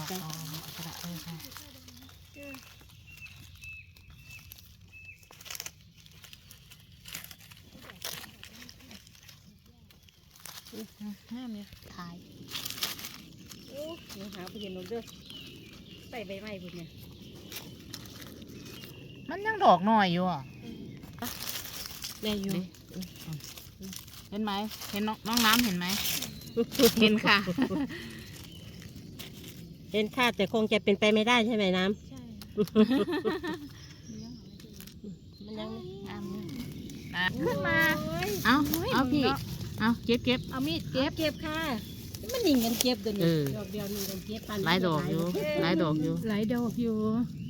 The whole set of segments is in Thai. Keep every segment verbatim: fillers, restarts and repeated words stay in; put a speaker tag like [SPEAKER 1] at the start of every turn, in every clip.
[SPEAKER 1] อ๋อเอากระดาษเออค่ะห้ามเนี่ยถ่าย
[SPEAKER 2] โอ้ยหาไปเห็นนกเด้อใส่ใบไม้พุ่นเนี่ย
[SPEAKER 1] มันยังดอกหน่อยอยู่อ่ะ
[SPEAKER 2] ได้อยู่
[SPEAKER 1] เห็นไหมเห็นน้องน้องน้ำเห็นไหม เห็นค่ะ
[SPEAKER 2] เห็นค่ะแต่คงจะเป็นไปไม่ได้ใช่ไหมน้ำใช่มันยัง
[SPEAKER 1] น้ำนี่นะขึ้นมาเอาเอาพี่เอาเก็บเก็บ
[SPEAKER 2] เอามีดเก็บเก็บค่ะมันหนิงกันเก็บตัวนี้ดอกเดียวหนิงกันเก็บปัน
[SPEAKER 1] หลายดอกอยู่หลายดอกอยู่
[SPEAKER 2] หลายดอกอยู่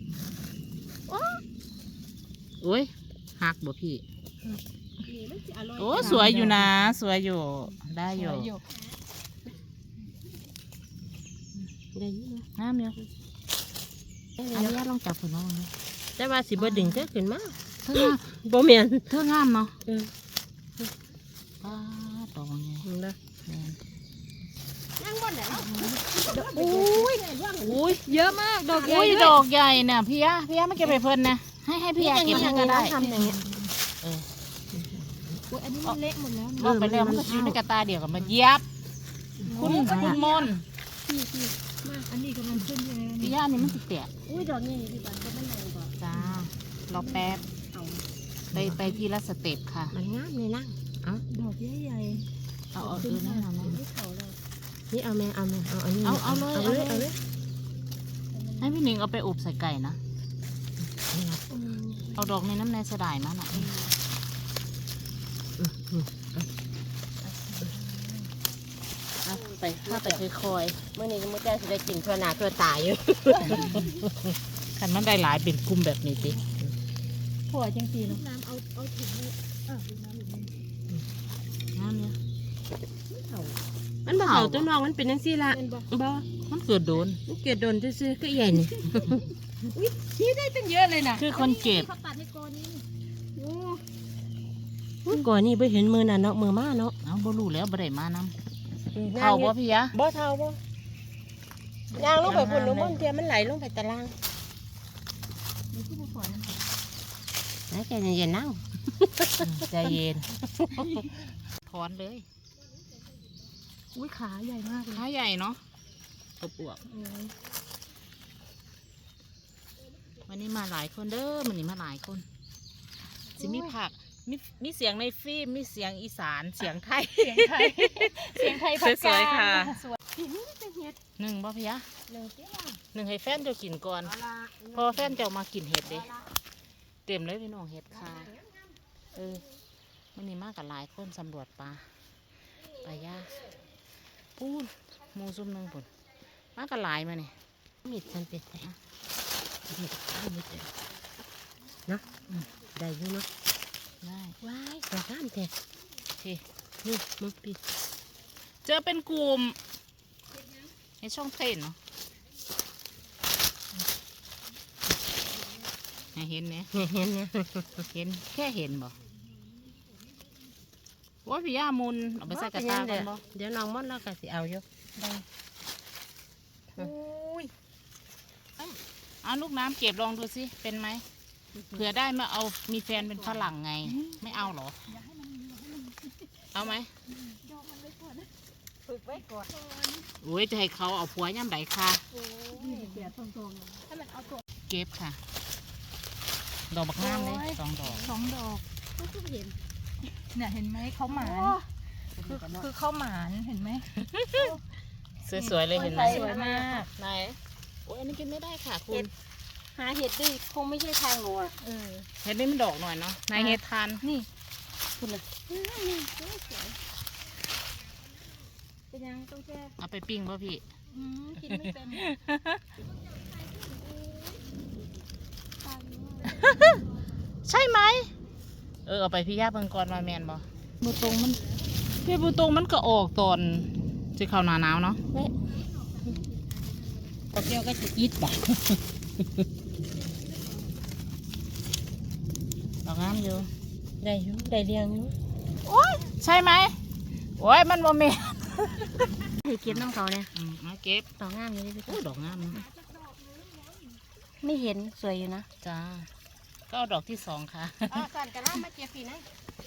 [SPEAKER 1] โอ้ยหักบ่พี่โอ้สวยอยู่นะสวยอยู่ได้อยู่
[SPEAKER 2] ได้อยู่
[SPEAKER 1] น้ำเยอะอันนี้ลองจับผลน้องเลย
[SPEAKER 2] แต่ว่าสิบ่ดึงเธอขึ้นมา
[SPEAKER 1] เธองาม
[SPEAKER 2] บ่เมียน
[SPEAKER 1] เธองามเนาะป้าดอกไง
[SPEAKER 2] นั่งบนไหนโอ้ยโอ้ยเยอะมากดอกใหญ่
[SPEAKER 1] ดอกใหญ่เนี่ยพี่ยะพี่ยะไม่เก็บไปเพิ่นนะให้ให้พี่ยะเก็บก็ได้
[SPEAKER 2] ทำอย่างเงี้ย
[SPEAKER 1] เออ
[SPEAKER 2] อันนี้มันเละหมดแล้ว
[SPEAKER 1] บอกไปแล้วมันก็อยู่ในกระตาเดียวกับมันเย็บคุณคุณมน
[SPEAKER 2] พี่พี่มาอันนี้กำลังขึ้นเลย
[SPEAKER 1] พี่ย่านี่มันติดแตะ
[SPEAKER 2] อุ้ยดอกใหญ่พี่บ้านก็ไม่แรงกว่า
[SPEAKER 1] จ้ารอแป๊บไปไปทีละสเต็ปค่ะ
[SPEAKER 2] มันงามเลยนะเอาดอกใหญ่ใหญ่
[SPEAKER 1] เอาเอาดูนะเอา
[SPEAKER 2] ไม่เขาเลยนี่เอาแม่เอาแม่เอาอันนี้
[SPEAKER 1] เอาเอาเลย
[SPEAKER 2] เอาเลยเอาเลย
[SPEAKER 1] ให้พี่หนิงเอาไปอบใส่ไก่นะเอาดอกในน้ำในสะดายมาหน่อยไปถ้าไปคอย
[SPEAKER 2] เมื่อนี้ก็ไม่ได้จะได้กินทั่วหน้าทั่วตาอยู่
[SPEAKER 1] ขันมันได้หลายเป็นกลุ่มแบบนี้ติ
[SPEAKER 2] ผัวจังสีน้ำเอาเอาถุงนี้อ่ะน้ำอีกนิด
[SPEAKER 1] น้ำเนี่ย
[SPEAKER 2] มันบ่เขาตัวน้องมันเป็นจังซี่ละบ่
[SPEAKER 1] มันเกิดโดน
[SPEAKER 2] มันเกิดโดนซื่อๆก็ใหญ่นี่อุ้ยชี้ได้ตั้งเยอะเลยนะ
[SPEAKER 1] คือคนเก็บ
[SPEAKER 2] เขาตัดให้กอนี้โอ้ก่อนนี่ไปเห็นมือน่ะเนาะมือมาเนาะ
[SPEAKER 1] เอาบ่รู้แล้วบ่ได้มาน้ำเท่าบ่พี่ยะ
[SPEAKER 2] บ่เท่าบ่ยางลงไปพุ่นลงบนเทียมันไหลลงไปตารางแล้วใจเย็นๆนั่ง
[SPEAKER 1] ใจเย็นถอนเลย
[SPEAKER 2] อุ้ยขาใหญ่มากเลย
[SPEAKER 1] ขาใหญ่เนาะอบอวบวันนี้มาหลายคนเด้อวันนี้มาหลายคนสิมีผักมีมีเสียงในฟิล์มมีเสียงอีสานเสียงไทยเสียงไทย
[SPEAKER 2] เสียงไทยผัก
[SPEAKER 1] กาดค่ะ
[SPEAKER 2] ห
[SPEAKER 1] นึ่งบ่พี่ยะ
[SPEAKER 2] หนึ่ง
[SPEAKER 1] หนึ่งให้แฟนเจ้ากินก่อนพอแฟนเจ้ามากินเห็ดเด้เต็มเลยพี่น้องเห็ดค่ะเออวันนี้มากับหลายคนสำรวจปลาปลาย่าปูนมูซุ่มหนึ่งปุ่นมากับหลายมาเนี่ย
[SPEAKER 2] มีดฉันเป็ดไปมีดมีดเนาะได้อยู่เนาะ
[SPEAKER 1] ได้
[SPEAKER 2] ว้ายดอกงามแท้
[SPEAKER 1] ที่
[SPEAKER 2] นี่มึงปิด
[SPEAKER 1] เจอเป็นกลุ่มในช่องเต้นเนาะเห็นเนี่ย
[SPEAKER 2] เห็นเนี่ย
[SPEAKER 1] เห็นแค่เห็นบ่ว่าพี่ย่ามุนเอาไปใส่กระตากันบ่
[SPEAKER 2] เดี๋ยวน้องมดแล้วก็สิเอาอยู่ได้
[SPEAKER 1] อุ้ยเอาลูกน้ำเก็บลองดูสิเป็นไหมเผื่อได้มาเอามีแฟนเป็นฝรั่งไงไม่เอาหรอเอาไหม
[SPEAKER 2] ฝึกไว้ก่อน
[SPEAKER 1] โอ้ยจะให้เขาเอาผัวย่ำไหนค่ะเก็บค่ะดอกบักน้ำเลยสองดอก
[SPEAKER 2] สองดอกก็คือเห็น
[SPEAKER 3] เนี่ยเห็นไหมเขาหมานคือคือเขาหมานเห็นไหม
[SPEAKER 1] สวยๆเลยเห็นไหม
[SPEAKER 3] สวยมาก
[SPEAKER 1] ไหนโอ้ยอันนี้กินไม่ได้ค่ะคุณ
[SPEAKER 2] หาเห็ดดิคงไม่ใช่ทางหนูอ่ะ
[SPEAKER 1] เห็ดนี่มันดอกหน่อยเนาะนายเห็ดทาน
[SPEAKER 2] นี่คุณเลยเป็นยังต้องแช่
[SPEAKER 1] เอาไปปิ้งป่ะพี่
[SPEAKER 2] กินไม่เป็น
[SPEAKER 1] ใช่ไหมเออเอาไปพี่ย่าเพิ่งก่อนมาแมนบ่บูตรงมันพี่บูตรงมันก็ออกตอนจะเข้าหน้าหนาวเนาะ
[SPEAKER 2] ก็เกี่ยวก็จะยิดบ่
[SPEAKER 1] ดอกงามอยู่
[SPEAKER 2] ได้อยู่ได้เรียงอยู่
[SPEAKER 1] โอ้ยใช่ไหมโอ้ยมันโมเมน
[SPEAKER 2] ให้เก็บน้ำเขาเนี่ย
[SPEAKER 1] อืมเอาเก็บ
[SPEAKER 2] ดอกงามอยู่เลยพี่
[SPEAKER 1] โอ้ดอกงามนะ
[SPEAKER 2] ไม่เห็นสวยอยู่นะ
[SPEAKER 1] จ้าก็เอาดอกที่สองค่ะ
[SPEAKER 2] อ๋อสั่นกระล่ามาเก็บปีนะ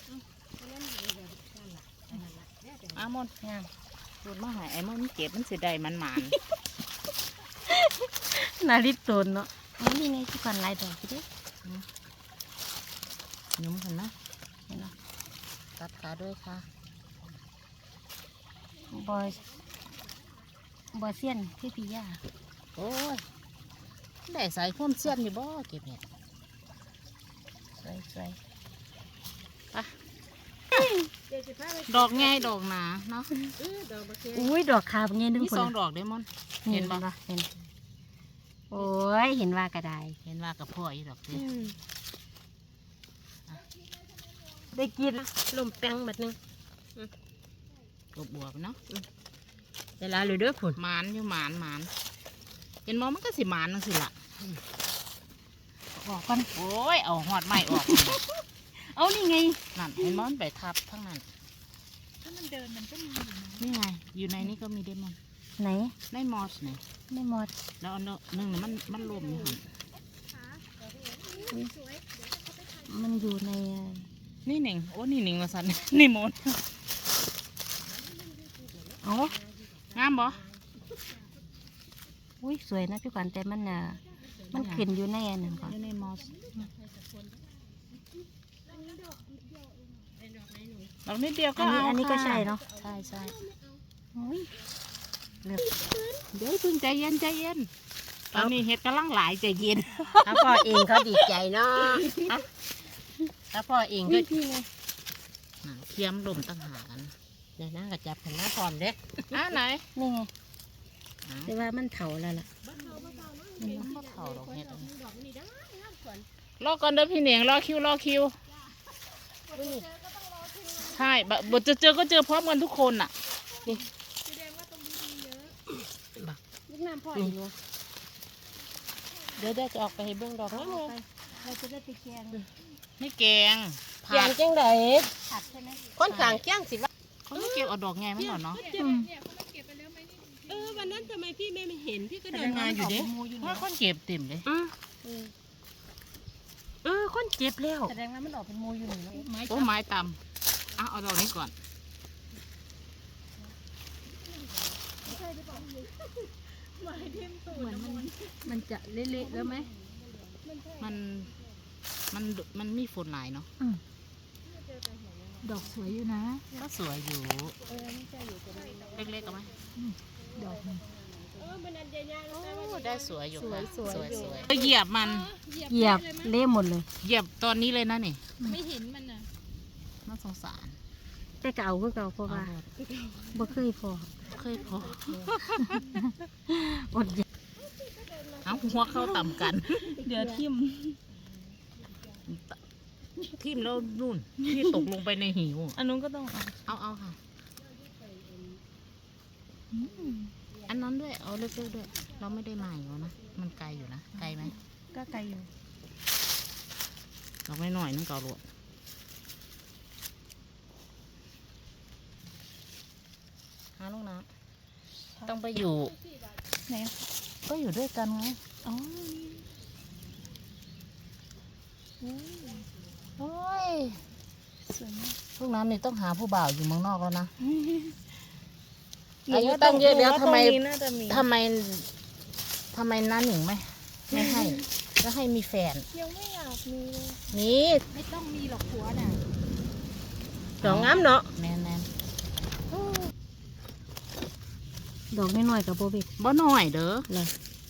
[SPEAKER 1] อามอน
[SPEAKER 2] งาม
[SPEAKER 1] พูดมาใหายไอ้มอนมันเก็บมันเสียดายมันหมาน
[SPEAKER 2] นาริตโตนเนาะอ๋อนี่ไงที่ก่อนลายดอกพี่เด้
[SPEAKER 1] นุ่มกันนะ
[SPEAKER 2] เห็นเนาะ
[SPEAKER 1] ตัดขาด้วยค่ะ
[SPEAKER 2] บอยบอยเซียนพี่พี่ย่า
[SPEAKER 1] โอ้ยได้สายความเสี้ยนอยู่บ่เก็บเห็ด
[SPEAKER 2] สวยสวย
[SPEAKER 1] ดอกไงดอกหนาเนาะ
[SPEAKER 2] อุ้ยดอกขาวเงี้ยนึง
[SPEAKER 1] มี
[SPEAKER 2] คน
[SPEAKER 1] สองดอกได้มอน เห็นปะ
[SPEAKER 2] เห็นโอ้ยเห็นว่ากระได
[SPEAKER 1] เห็นว่ากับพ่ออีดอกสิ
[SPEAKER 2] ได้กินลมแป้งแบบนึง
[SPEAKER 1] กบบวบเนาะ
[SPEAKER 2] เวลาเลยเด้อผุน
[SPEAKER 1] หมานอยู่หมานหมานเห็นมอมันก็สิหมานนั่นสิล่ะ
[SPEAKER 2] บอกก่อน
[SPEAKER 1] โอ้ยเอาหอดไม้ออก
[SPEAKER 2] เอานี่ไง
[SPEAKER 1] นั่นเห็นมอนไปทับทั้งนั้น
[SPEAKER 3] ถ้ามันเดินมันก็มีอยู่นะ
[SPEAKER 1] นี่ไงอยู่ในนี้ก็มีเดมอน
[SPEAKER 2] ไหน
[SPEAKER 1] ในมอสนี่
[SPEAKER 2] ไม่หมด
[SPEAKER 1] แล้วอันหนึ่งนี่มันมันลมอยู่หั่น
[SPEAKER 2] มันอยู่ใน
[SPEAKER 1] นี่หนิงโอ้นี่หนิงมาสัน นี่มน
[SPEAKER 2] เอ๋อง
[SPEAKER 1] ามบ่
[SPEAKER 2] อุ้ยสวยนะพี่ขวัญแต่มันอ่ะมันขึ้นอยู่ในอันนั้นก่อน
[SPEAKER 1] อยู่ในมอสดอกนิดเดียวก็
[SPEAKER 2] อันนี้
[SPEAKER 1] เอา
[SPEAKER 2] อันนี้ก็
[SPEAKER 1] ค่ะ
[SPEAKER 2] ใช่เนาะ
[SPEAKER 1] ใช่ใช่
[SPEAKER 2] อุ้ยเลือก
[SPEAKER 1] เดี๋ยวเพิ่งใจเย็นใจเย็นตอนนี้เห็ดกำลังหลายใจเย็น
[SPEAKER 2] ถ้าพ่อเองเขาดีใจเนาะถ้าพ่อเองก็
[SPEAKER 1] น่ะเทียมลมตั้งหากัน
[SPEAKER 2] เดี๋ยวนะก็จับขันหน้าพร้อมเด้
[SPEAKER 1] อ่ะไหน
[SPEAKER 2] นี่ไง
[SPEAKER 1] อ่ะ
[SPEAKER 2] แต่ว่ามันเถาแล้วล่ะ
[SPEAKER 1] มันบ่เข่าดอกเห็ดอันนี้รอก่อนเด้อพี่เหนียงรอคิวรอคิวใช่บะบทจะเจอก็เจอพร้อมกันทุกคนน่ะ
[SPEAKER 2] ลูกน้ำพ่ออีกเนาะ
[SPEAKER 1] เดี๋ยวเดี๋ยวจะออกไปให้เบื้องดอกนี่เลย
[SPEAKER 2] เราจะได้ไปแกง
[SPEAKER 1] ไม่แกง
[SPEAKER 2] แก
[SPEAKER 1] ผั
[SPEAKER 2] ง
[SPEAKER 1] ด
[SPEAKER 2] จังได
[SPEAKER 3] ผัดใช่ไหม
[SPEAKER 2] คนสั่งแกงสิว่า
[SPEAKER 1] เขาไม่เก็บเอาดอกไงไม่หรอเนาะ
[SPEAKER 2] เออวันนั้นทำไมพี่ไม่เห็นพี่ก็
[SPEAKER 1] เดิ
[SPEAKER 2] เดิ
[SPEAKER 1] น
[SPEAKER 2] น
[SPEAKER 1] มา
[SPEAKER 2] มา
[SPEAKER 1] อ
[SPEAKER 2] อยู่ ยู่
[SPEAKER 1] เด้
[SPEAKER 2] เด้
[SPEAKER 1] ว่าคนเก็บเต็มเลย
[SPEAKER 2] อืมเออคนเจ็บแล้ว
[SPEAKER 3] แสดงว่ามันออกเป็นโมอยู่หนึ่งแล้วไม้
[SPEAKER 1] โอ้ไม้ตำอ่ะเอาดอกนี้ก่อน
[SPEAKER 3] เหมือนมันมันจะเละๆแล้วไหม
[SPEAKER 1] มันมันมันมีฝนหลายเนาะ
[SPEAKER 3] ดอกสวยอยู่นะ
[SPEAKER 1] ก็สวยอยู่เล็กๆเอาไหม
[SPEAKER 3] ดอกมัน
[SPEAKER 1] โอ้ได้สวยอยู่ค่ะ
[SPEAKER 3] สวยๆ
[SPEAKER 1] สวย
[SPEAKER 3] อยู่
[SPEAKER 1] สวยเหยียบมัน
[SPEAKER 2] เหยียบเละหมดเลย
[SPEAKER 1] เหยียบตอนนี้เลยนะนี่
[SPEAKER 3] ไม่เห็นมันอ่ะ
[SPEAKER 1] น่าสงสาร
[SPEAKER 2] แต่เก่าคือเก่าเพราะว่า
[SPEAKER 1] เอาเถอะ
[SPEAKER 2] บ่เคยพอ
[SPEAKER 1] เคยพอ
[SPEAKER 2] อดอยาก
[SPEAKER 1] เอาหัวเข้าต่ำกัน
[SPEAKER 3] เดี๋ยวทิ่ม
[SPEAKER 1] ทิ่มแล้วนู่นที่ตกลงไปในหิว
[SPEAKER 3] อันนู้นก็ต้องเอา
[SPEAKER 1] เอาเอาค่ะ อันนั้นด้วย เอาเล็กๆด้วย เราไม่ได้มาอยู่นะ มันไกลอยู่นะ ไกลไหม
[SPEAKER 3] ก็ไกลอยู่
[SPEAKER 1] เราไม่หน่อยนึงเก่าหลวดหาลูกน้ำต้องไปอยู่
[SPEAKER 3] ไหน
[SPEAKER 1] ก็อยู่ด้วยกันไง
[SPEAKER 3] อ๋อ
[SPEAKER 1] โอ้ย
[SPEAKER 3] สวยมาก
[SPEAKER 1] ลูกน้ำนี่ต้องหาผู้บ่าวอยู่เมืองนอกแล้วนะ
[SPEAKER 2] หนู
[SPEAKER 1] อายุ
[SPEAKER 2] ว่า
[SPEAKER 1] ตั้งเยอะแล้ว
[SPEAKER 2] หนูว่า
[SPEAKER 1] ทำไม
[SPEAKER 2] ตรงนี้น่าจะมี
[SPEAKER 1] ทำไมทำไมน้าหนิงไม่ไม่ให้แล้วให้มีแฟน
[SPEAKER 3] ยังไม่อยากมีเลย
[SPEAKER 1] นี่
[SPEAKER 3] ไม่ต้องมีหรอกผัวน่ะ
[SPEAKER 2] ดอกงามเนาะ
[SPEAKER 1] แมนแมน
[SPEAKER 2] ดอกน้อยๆกับโบเบก
[SPEAKER 1] บ่หน่อยเด้อ
[SPEAKER 2] เลย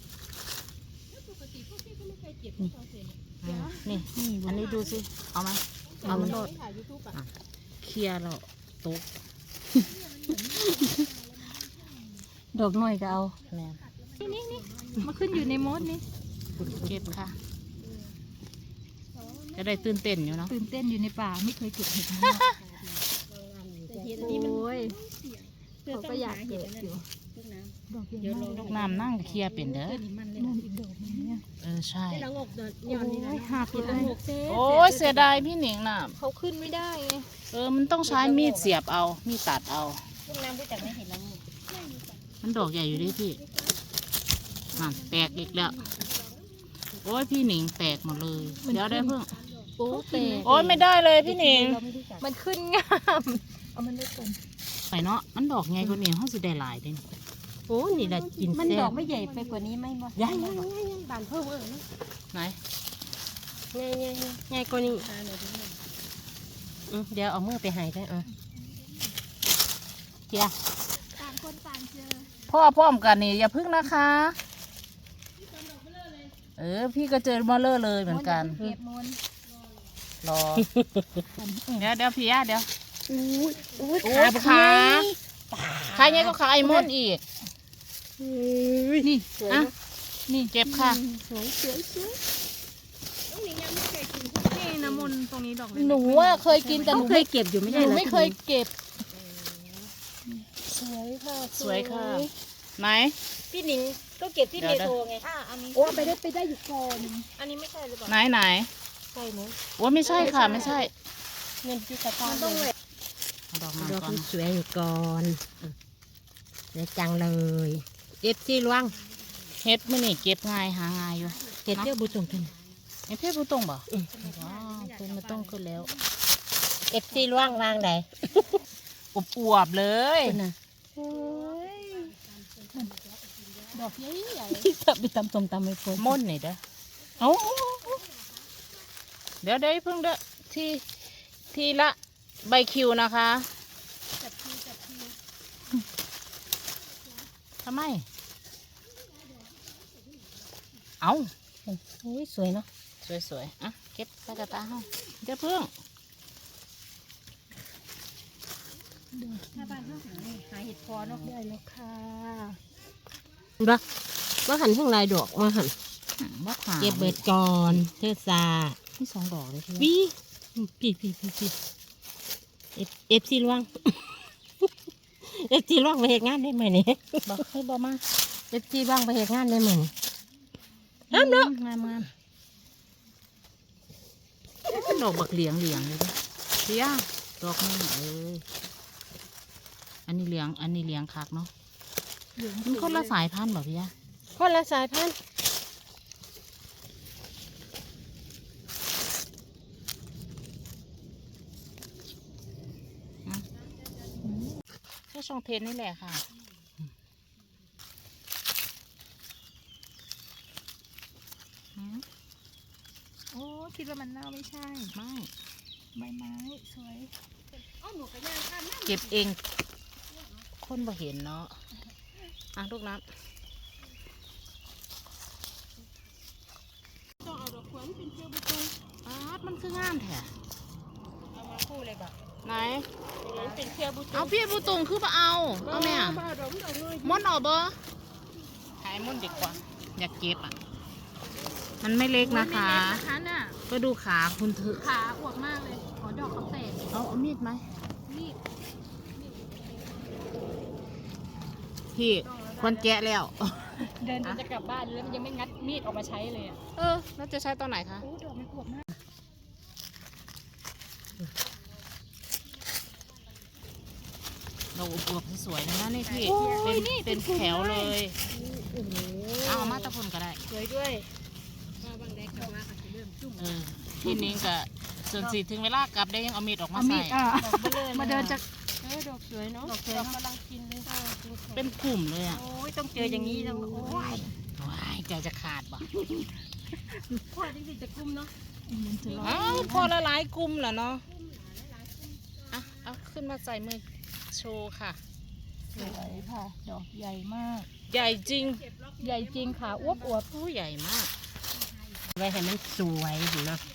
[SPEAKER 1] อืมนี่
[SPEAKER 2] นี่
[SPEAKER 1] อันนี้ดูสิ เอาไหมเอามันโดดอ่ะเคลียร์แล้วตก
[SPEAKER 2] ดอกน้อยก็เอา
[SPEAKER 1] แมน
[SPEAKER 3] นี่นี่นี่มาขึ้นอยู่ในมดนี่
[SPEAKER 1] เก็บค่ะ จะได้ตื่นเต้นอยู่เนาะ
[SPEAKER 3] ตื่นเต้นอยู่ในป่าไม่เคยเก็บเห็ดนะโอ้ยเขาก็อยากเก็บอยู่ดอกเยอะมาก
[SPEAKER 1] ลูกน้ำนั่งเคลียร์เป็นเด้อ
[SPEAKER 3] นั่นอีกดอกนึงเนี่ย
[SPEAKER 1] เออใช่
[SPEAKER 2] โอ้ย
[SPEAKER 3] หักเลย
[SPEAKER 1] โอ้ยเสียดายพี่หนิงน่ะ
[SPEAKER 3] เขาขึ้นไม่ได้ไง
[SPEAKER 1] เออมันต้องใช้มีดเสียบเอา มีดตัดเอา
[SPEAKER 2] ลูกน้ำรู้จักไม่เห็นแล้ว
[SPEAKER 1] เมันดอกใหญ่อยู่ดิพี่นั่นแตกอีกแล้วโอ้ยพี่หนิงแตกหมดเลยเดี๋ยวได้เพิ่ง
[SPEAKER 3] โอ้เตะ
[SPEAKER 1] โอ้ยไม่ได้เลยพี่หนิง
[SPEAKER 3] มันขึ้นงามเอามันได้ต้น
[SPEAKER 1] ไปเนาะมันดอกไงกว่านี้ห้องสิได้หลายเด้นี่
[SPEAKER 2] โอ้นี่แหละกิน
[SPEAKER 3] มัน
[SPEAKER 2] แซ่
[SPEAKER 3] ดอบ กไม่ใหญ่ไปกว่านี้ไหมบ่
[SPEAKER 2] ใหญ่ใหญ่ใหญ่ใหญ่บานเพิ่มเออ
[SPEAKER 1] ไหน
[SPEAKER 2] ใหญ่ใหญ่ใหญ่ใหญ่กว่านี้อืมเดี๋ยวเอามือไปใหายได้อ่ะเจ้า
[SPEAKER 3] ต่างคนต่างเจอ
[SPEAKER 1] พ่อพร้อมกันนี่อย่าพึ่งนะคะ เออพี่ก็เจอมาเลอร์เลยเหมือนกัน
[SPEAKER 3] เก็บมน
[SPEAKER 1] รอ เดี๋ยวเดี๋ยวพี่ย่าเดี๋ยว
[SPEAKER 2] อู้ยอู้ย
[SPEAKER 1] โอ้
[SPEAKER 2] ขาบ
[SPEAKER 1] ขา
[SPEAKER 2] ขา
[SPEAKER 1] ขาเนี้ยก็ขาไอ้มดอีก
[SPEAKER 3] นี่
[SPEAKER 1] อ่ะนี่เจ็บค่ะ
[SPEAKER 2] สวยสวยสวย
[SPEAKER 3] นี่น้ำมนต์ตรงนี้ดอกเลย
[SPEAKER 1] หนูว่าเคยกินแต่ห
[SPEAKER 2] เขา
[SPEAKER 1] นู
[SPEAKER 2] เค
[SPEAKER 1] ไม่
[SPEAKER 2] ยเก็บอยู่ไม่
[SPEAKER 1] ห
[SPEAKER 2] ใช่
[SPEAKER 1] นู
[SPEAKER 2] เหรอ
[SPEAKER 1] ไม่เคยเก็บ
[SPEAKER 2] สวยค่ะ
[SPEAKER 1] สวยค่ะ ไหน
[SPEAKER 2] พี่หนิงก็เก็บที่
[SPEAKER 1] เดี๋
[SPEAKER 2] เม
[SPEAKER 1] ยว
[SPEAKER 2] โทรไง
[SPEAKER 3] อ่ะอันนี้
[SPEAKER 2] โอ้ไปได้ไปได้อยู่ก่อน
[SPEAKER 3] อันนี้ไม่ใช่หรือเปล่า
[SPEAKER 1] ไหนไหน
[SPEAKER 2] ใช่ไหม
[SPEAKER 1] ว่าไม่ใช่ค่ะไม่ใช่
[SPEAKER 2] เงินที่ตะกร้า
[SPEAKER 3] มันต้อง
[SPEAKER 2] เล
[SPEAKER 3] เลย ย
[SPEAKER 1] เอาดอกมา
[SPEAKER 2] ดอก
[SPEAKER 1] ก่อน
[SPEAKER 2] สวยอยู่ก่อนสวยจังเลยเก็บที่ล่วง
[SPEAKER 1] เฮ็ดไม่นี่เก็บง่ายหาง่ายอยู่
[SPEAKER 2] เก็บเที่ยวบุตรงกัน
[SPEAKER 1] เฮ็ดเพชรผู้ตรงบ่ว้าวเป็นมาต้องขึ้นแล้ว
[SPEAKER 2] เก็บที่ล่วงวางไหน
[SPEAKER 1] อบอวบๆเลย
[SPEAKER 2] คุณน่ะ
[SPEAKER 3] ดอกใหญ่ใหญ่
[SPEAKER 2] ที่จะไปตำส้มตำไม่พ้น
[SPEAKER 1] ม่นนี่เด้อเอาเดี๋ยวเดี๋ยวเพิ่งเด้อที่ที่ละใบคิวนะคะ
[SPEAKER 3] จับทีจับที
[SPEAKER 1] ทำไม เอา
[SPEAKER 2] โอ้ยสวยเนาะ
[SPEAKER 1] สวยๆอ่ะเก็บใส่กระตาเฮาเดี๋ยวเพิ่ง
[SPEAKER 3] ถ้าบ้านเขาหานี่หาเห็ดพอเนาะ
[SPEAKER 2] ได้แล้วค่ะบ้าว่าหันข้างในดอกมาหัน
[SPEAKER 1] อืมบ่ขา
[SPEAKER 2] เก็บเบิดก่อนเทศซา
[SPEAKER 1] ที่สองดอกเลยพี่
[SPEAKER 2] วีพี่พี่พี่พี่เอฟเอฟซีล่วง เอฟซีล่วงไปเหตุงานได้ไหมเนี่ย
[SPEAKER 1] บอกให้บอกมา
[SPEAKER 2] เอฟซีล่วงไปเหตุงานได้ไหม
[SPEAKER 1] งามเนาะงามงามดอกบักเหลียงเหลียงเลยเด้อพี่ย่าดอกนึงเอ้ยอันนี้เหลียงอันนี้เหลียงคักเนาะมันคนละสายพันธุ์บ่พี่ย่า
[SPEAKER 2] คนละสายพันธุ์
[SPEAKER 1] แค่ช่องเทนนี่แหละค่ะอืม
[SPEAKER 3] โอ้คิดว่ามันเน่าไม่ใช่
[SPEAKER 1] ไม่
[SPEAKER 3] ใบไม้สวย
[SPEAKER 1] เก็บเอง คนบ่เห็นเนาะอ่ะลูกน้ำ
[SPEAKER 2] ต้องเอาดอกขวัญเป็นเชือกบุตร
[SPEAKER 1] อาดมันคืองามแท้
[SPEAKER 2] เอามาคู่เลยบ่ะ
[SPEAKER 1] ไหน
[SPEAKER 2] เป็นเชือกบุตร
[SPEAKER 1] เอาพี่บุตุงคือมาเอา เอาแม่
[SPEAKER 2] บ้าดอกดอกเลย
[SPEAKER 1] มอนออกบ่ขายมอนดีกว่า อยากเก็บอ่ะ มันไม่เล็กนะคะ
[SPEAKER 3] นะคะน่ะ
[SPEAKER 1] ก็ดูขาคุณเถอะ
[SPEAKER 3] ขาอวบมากเลยขอดอกเขาแตก
[SPEAKER 1] เอาเอามีดไหม
[SPEAKER 3] นี่
[SPEAKER 1] พี่คนแกะแล้ว
[SPEAKER 3] เดินจนจะกลับบ้านแล้วมันยังไม่งัดมีดออกมาใช้เลยอ่ะ
[SPEAKER 1] เออแล้วจะใช้ตอนไหนคะ
[SPEAKER 3] โอ้ดอกมันอวบมาก
[SPEAKER 1] เราอวบๆสวยๆนะนี่พี่ เป็นเป็นแถวเลย
[SPEAKER 2] โอ้โห
[SPEAKER 1] เอามาตะพุ่นก็ได้
[SPEAKER 2] สวยด้วยมาบางแดงกลับมาค่ะจะเริ่มจุ่ม
[SPEAKER 1] เออที่นิ้งกับส่วนสีถึงเวลากลับได้ยังเอามีดออกมา
[SPEAKER 3] เอามี
[SPEAKER 1] ใส่
[SPEAKER 3] ดอ่ะ
[SPEAKER 2] ดอกเบลอ
[SPEAKER 3] มาเดินจาก
[SPEAKER 2] เออดอกสวยเนาะ
[SPEAKER 3] ดอกสวย
[SPEAKER 2] ดอก
[SPEAKER 3] เนอะ
[SPEAKER 2] กำลังกินเลยค่ะ
[SPEAKER 1] เป็นกลุ่มเลยอ่ะ
[SPEAKER 2] โอ้ยต้องเจออย่างนี้ต้องโอ้ย
[SPEAKER 1] ว้ายใจจะขาดบ่
[SPEAKER 2] พ่อจริงๆจะกุ้มเนาะ
[SPEAKER 3] มันจะร้อน
[SPEAKER 1] เอ้าพอละหลายกลุ่มแหละเนาะอ่ะเอาขึ้นมาใส่มือโชว์ค่ะ
[SPEAKER 3] สวยค่ะ ดอกใหญ่มาก
[SPEAKER 1] ใหญ่จริง
[SPEAKER 3] ใหญ่จริงค่ะอวบอวบ
[SPEAKER 1] ผู้ใหญ่มาก
[SPEAKER 2] ไว้ให้มันสวยเนาะ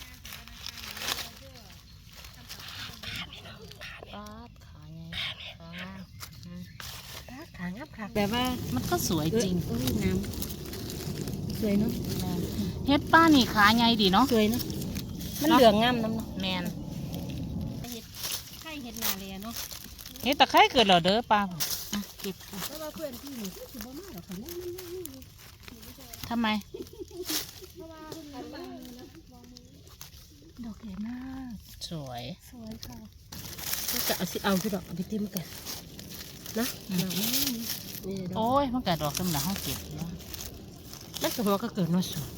[SPEAKER 1] ปาดขาไงขางามอืม
[SPEAKER 2] ขางามค่ะแบบว่า
[SPEAKER 1] มันก็สวยจริง
[SPEAKER 2] เอ้ยน้ำสวยเนาะ
[SPEAKER 1] แมนเฮ็ดป้านี่ขาใหญ่ดีเนาะ
[SPEAKER 2] สวยเนาะมันเหลืองงามน้ำเนาะ
[SPEAKER 1] แมน
[SPEAKER 2] ไข่เห็ดนาเรียเนาะ
[SPEAKER 1] เฮ็ดตะไคร้เกิดเหรอเด้อป้าอ่ะเก็บค่ะ
[SPEAKER 2] เพราะว่าเพื่อนพี่นี่คือบ่มาหรอกค่ะนั่นนั่นนั่นนี่
[SPEAKER 1] ทำไม
[SPEAKER 3] ดอกใหญ่มาก
[SPEAKER 1] สวย
[SPEAKER 3] สวยค่ะ
[SPEAKER 2] ก็จะเอาสิเอาที่ดอกเอาไปเต็มกันนะ
[SPEAKER 1] อืม
[SPEAKER 2] ดอกนี้นี่ดอก
[SPEAKER 1] โอ้ยมันกระดอกสำหรับห้องเก็บเนาะ
[SPEAKER 2] มันก็หัวก็เกิดมาสวย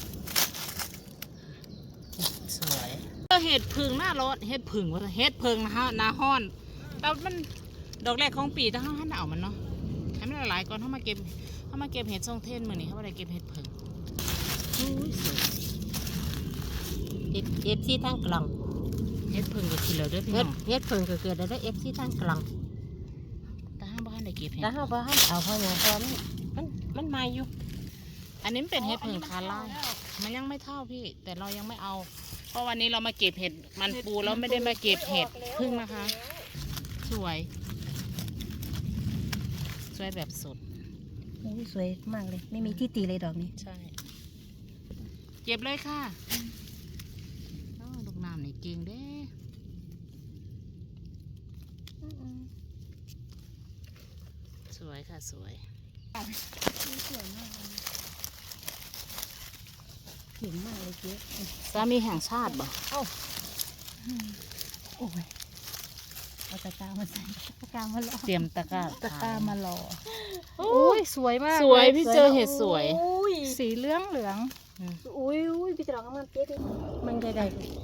[SPEAKER 1] สวยเห็ดพึ่งหน้าร้อนเห็ดพึ่งว่าเห็ดพึ่งนะฮะหน้าห้อนแต่มันดอกแรกของปีแต่เขาหันเอามันเนาะให้มันหลายๆก่อนเขามาเก็บเขามาเก็บเห็ดทรงเทนมือนี่เขาไม่ได้เก็บเห็ดพึ่งอุ้ยสวย
[SPEAKER 2] เอฟเอฟซีทางกล่อง
[SPEAKER 1] เห็ดพึ่งก็กินแล้วเด้อพี่
[SPEAKER 2] เฮ็
[SPEAKER 1] น้
[SPEAKER 2] ด
[SPEAKER 1] อง
[SPEAKER 2] เฮ็ดเพิ่งก็เกิดได้เอฟซีทางกล่อง
[SPEAKER 1] แต่ห้ามบ้านได้เก็บเห็ด
[SPEAKER 2] แล้วเฮาบ่ทันเอาเพราะหยังเพราะมันมันมันใหม่อยู่
[SPEAKER 1] อันนี้มันเป็นเห็ดพึ่งคาร่ามันยังไม่เท่าพี่ แต่เรายังไม่เอา เพราะวันนี้เรามาเก็บเห็ดมันปูเราไม่ได้มาเก็บเห็ดพึ่งนะคะ สวย สวยแบบสด
[SPEAKER 3] โอ้ยสวยมากเลย ไม่มีที่ตีเลยดอกนี้
[SPEAKER 1] ใช่ เก็บเลยค่ะอ้าวลูกน้ำนี่เก่งเด้สวยค่ะสวย
[SPEAKER 3] เห็นมากเลยเจ๊
[SPEAKER 1] สามีแห่งชาติบ่
[SPEAKER 3] โอ้ยเอาตะกร้ามาใส่ตะกร้ามาหล่อ
[SPEAKER 1] เตรียมตะกร้า
[SPEAKER 3] ตะกร้ามาหล่อ
[SPEAKER 1] โอ้
[SPEAKER 3] โอ้
[SPEAKER 1] ย
[SPEAKER 3] ยสวยมาก
[SPEAKER 1] สวย
[SPEAKER 3] ล
[SPEAKER 1] พี่เจอเห็ดสวย
[SPEAKER 3] โอ้ยสีเหลืองเหลือง
[SPEAKER 1] อืม
[SPEAKER 3] อุ้ยอุ้ยพี่จะลองมันเจ๊ดิมันใหญ่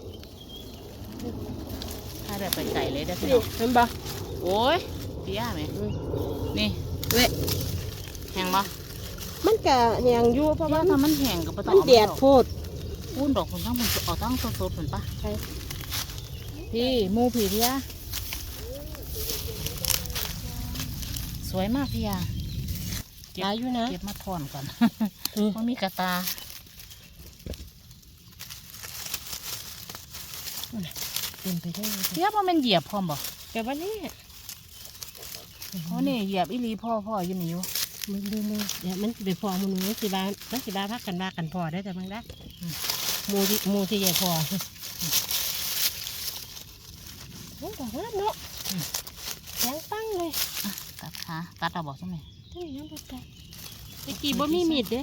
[SPEAKER 1] ถ้าได้ไปไก่เลยได้
[SPEAKER 2] ๆ
[SPEAKER 1] พี่
[SPEAKER 2] นี่
[SPEAKER 1] น้อง
[SPEAKER 2] เห็นบ่
[SPEAKER 1] โอ้ยพี่ย่าไหม
[SPEAKER 2] อืม
[SPEAKER 1] นี่
[SPEAKER 2] เว้ย
[SPEAKER 1] แห้งบ่
[SPEAKER 2] มันก็แหงอยู่เพราะ
[SPEAKER 1] พี่
[SPEAKER 2] ว่า
[SPEAKER 1] ย่าทำมันแห้งกับปะต
[SPEAKER 2] มั
[SPEAKER 1] อน
[SPEAKER 2] แดดโพด
[SPEAKER 1] พูนดอกคนทั้งมันเอาตั้งสดๆเหมือนปะ
[SPEAKER 2] ใช่
[SPEAKER 1] พี่หมูผีพี่ย่าสวยมากพี่ย่าเก็บ
[SPEAKER 2] หลายอยู่นะ
[SPEAKER 1] เก็บมาถอนก่อน
[SPEAKER 2] อืม
[SPEAKER 1] มันมีกระตา
[SPEAKER 2] เต็มไปด้วยเลย
[SPEAKER 1] เทียบว่ามันเหยียบพร้อมบ่
[SPEAKER 2] แต่ว่านี่
[SPEAKER 1] เพราะนี่เหยียบอีหลีพ่อพ่ออยู่นี่อยู่
[SPEAKER 2] มึงดูมึงเดี๋ยวมันสิไปพอมึงมันสิบามันสิบาพักกันว่ากันพอได้แต่มึงได้หมูที่หมูที่ใหญ่พอโอ้ดอกงามเนาะแข็งตั้งเลย
[SPEAKER 1] อ่ะตัดขาตัดเอาบอกใช่ไหม
[SPEAKER 2] ตั้งยังบ่ได้ตะกี้บ่มีมีดเด้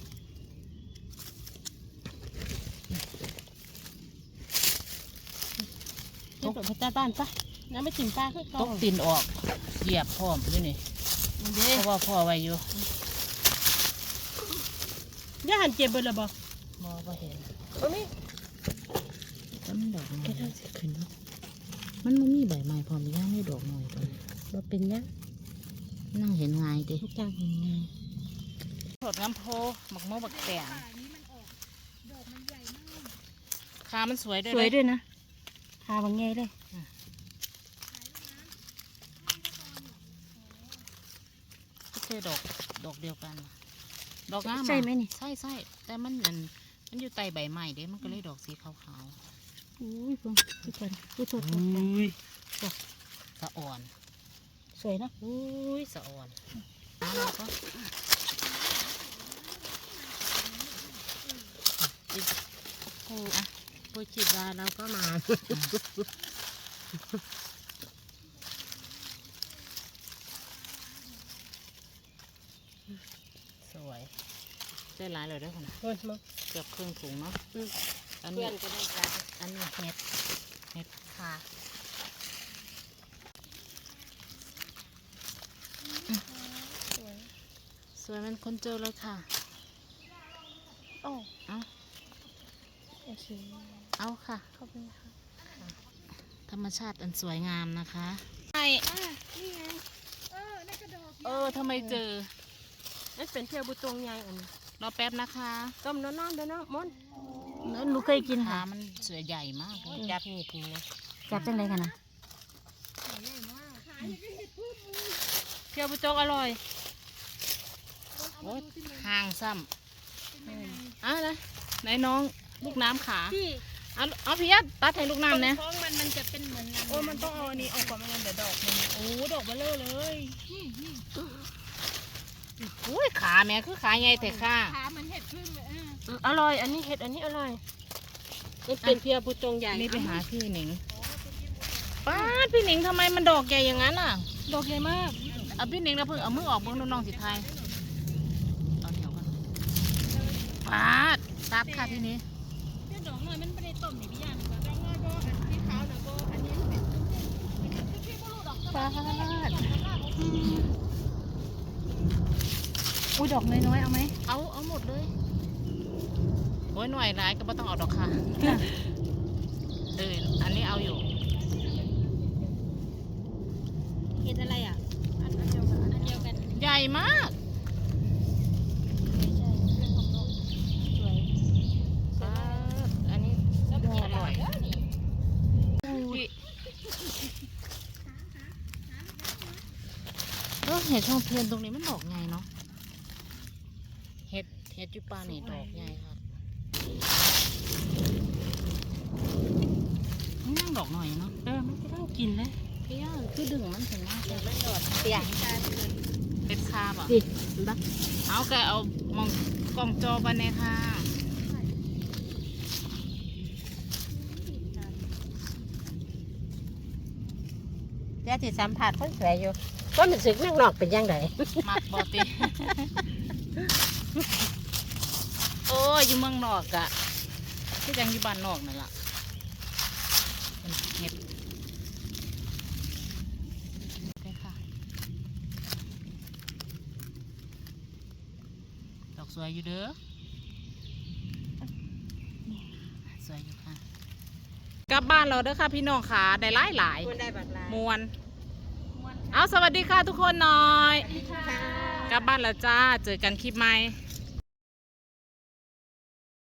[SPEAKER 2] ตกไปตาบ้านปะน้ำไม่จิ้มปลาคือ
[SPEAKER 1] ต
[SPEAKER 2] เก่าก
[SPEAKER 1] ตีนออกเหยียบพร้อมอยู่นี่
[SPEAKER 2] เด้
[SPEAKER 1] เพราะว่าพ่อไว้อยู่
[SPEAKER 2] ย่าหันเจ็บเบิดละบ่
[SPEAKER 1] มอบ่เห็น
[SPEAKER 2] บ่มี
[SPEAKER 1] แล้วมันดอกน้อยสิขึ้นเนาะมันไม่มีใบไม้พร้อมย่างไม่ดอกหน่อยตัวนี้
[SPEAKER 2] บ่เป็นหยัง
[SPEAKER 1] นั่งเห็นง่ายดิ
[SPEAKER 2] ทุกอย่างเป็นไง
[SPEAKER 1] สดน้ำโพหมักโมบักแตงขามันสวยด้วย
[SPEAKER 3] สวย
[SPEAKER 1] นะ
[SPEAKER 3] ด้วยนะทาบางแง่เลย
[SPEAKER 1] ไม่ใช่ดอกดอกเดียวกัน ดอกงามอะ
[SPEAKER 3] ใช่ไหมนี่
[SPEAKER 1] ใช่ใช่แต่มันมันมันอยู่ใต้ใบไม้เด้มันก็เลยดอกสีขาว
[SPEAKER 3] อุ้ยเพิ่งทุกคนอุ้ยโทษ
[SPEAKER 1] ๆ
[SPEAKER 3] โทษ
[SPEAKER 1] อุ้ยสะอ่อน
[SPEAKER 3] สวยเนอะ
[SPEAKER 1] อุ้ยสะอ่อนน้ำแล้วก็
[SPEAKER 2] โอ้อะโปรจิตว่าเราก็มา
[SPEAKER 1] สวยได้หลายเลยเด้วยคนน่ะ
[SPEAKER 2] โอ้ยมา
[SPEAKER 1] เกือบครึ่งถุงเนาะอัน
[SPEAKER 2] เพื่
[SPEAKER 1] นี้
[SPEAKER 2] อนก็ได้การ
[SPEAKER 1] อันนี้เห็ดเห็ดค่ะสวยมันคนเจอเลยค่ะ
[SPEAKER 3] โอ้
[SPEAKER 1] เอา
[SPEAKER 3] โอเค
[SPEAKER 1] เอาค่ะ
[SPEAKER 3] ขอบคุณค่ะ
[SPEAKER 1] ธรรมชาติอันสวยงามนะคะใช่
[SPEAKER 3] นี่ไงเออนั่นกระดอก
[SPEAKER 1] เออทำไมเจอ
[SPEAKER 2] นั่นเป็นเที่ยวบุตรงใหญ่อันนี้
[SPEAKER 1] รอแป๊บนะคะ
[SPEAKER 2] ต้มน้ำน้ำเด้อเนาะมอน
[SPEAKER 3] แล้วหนูเคยกิน
[SPEAKER 1] ขา
[SPEAKER 3] ค่ะ
[SPEAKER 1] มันสวยใหญ่มากเลย
[SPEAKER 2] จับนี่ทีนะ
[SPEAKER 3] จับจังไรกันนะ
[SPEAKER 2] เที่ยวบุตรงอร่อย
[SPEAKER 1] โอ้ยห่างซ้ำอ่ะนะไหนน้องลูกน้ำขา
[SPEAKER 3] พี่
[SPEAKER 1] เอาเอาพี่ยัดตัดให้ลูกน้ำนะ
[SPEAKER 3] ท้องมันมันจะเป็นเหมือนน้ำ
[SPEAKER 1] โอ้มันต้องเอาอันนี้ออกก่อนไม่งั้นเดี๋ยวดอกมันโอ้ดอกเบลอเลยอุ้ยขาแม่คือขาใหญ่แต่ขา
[SPEAKER 3] ขามันเห็ดพึ่งเลยเออ
[SPEAKER 2] อืมอร่อย อันนี้เห็ดอันนี้อร่อยนี่เป็นเที่ยวบุตรงใหญ่
[SPEAKER 1] นี่ไปหาพี่หนิงป้าดพี่หนิงทำไมมันดอกใหญ่อย่างนั้นอ่ะ
[SPEAKER 3] ดอกใหญ่มาก
[SPEAKER 1] เอาพี่หนิงแล้วเพิ่งเอามือออกเบิ้งน้องๆสิไทยเอาเหนียวกันป้าดตัดค่ะพี่นี้
[SPEAKER 3] เจ้าดอกน้อยมันไม่ได้ต้มนี่พี่ย่ามันดอกน้อยโบอันที่ขาวนะโบอันนี้เป็นพี่โบลูดอก
[SPEAKER 1] ป้าด
[SPEAKER 3] อุ้ยดอกน้อยๆเอาไหม
[SPEAKER 1] เอาเอาหมดเลยโอ้ยหน่วยร้ายก็ไม่ต้องเอาดอกค่ะเอออันนี้เอาอยู่
[SPEAKER 2] เห็ดอะไรอ่ะอันเดียวกันอันเดียวกัน
[SPEAKER 1] ใหญ่มาก
[SPEAKER 2] สวย
[SPEAKER 1] อ่าอันนี้ดูอร่อยพี่เออเห็ดทองเทียนตรงนี้มันดอกไงเนาะเห็ดเห็ดจุปานี่ดอกใหญ่ค่ะนี่นั่งดอกหน่อยเนาะ
[SPEAKER 2] เออมันจะต้องกินเลย
[SPEAKER 1] พี่ย่าคือดึงมันถึงมากเลย
[SPEAKER 2] มันโดดเปียก
[SPEAKER 1] เป็นคาบอ่ะ
[SPEAKER 2] ดิบัก
[SPEAKER 1] เอาแกเอามองกล่องจอบันเนี่ยค่ะ
[SPEAKER 2] เดี๋ยวที่สัมผัสคนสวยอยู่ก็มันสึกนักนอกเป็นยังไง
[SPEAKER 1] มักบอติ โอ้ยอยู่เมืองนอกอะที่ยังอยู่บ้านนอกนั่นล่ะเป็นเห็ดโอเคค่ะดอกสวยอยู่เด้อสวยอยู่ค่ะกลับบ้านเราเด้อค่ะพี่น้องค่ะได้หลายหลาย
[SPEAKER 2] คนได้บักลาย
[SPEAKER 1] มวน เอาสวัสดีค่ะทุกคนหน่อย กลับบ้านแล้วจ้า เจอกันคลิปใหม่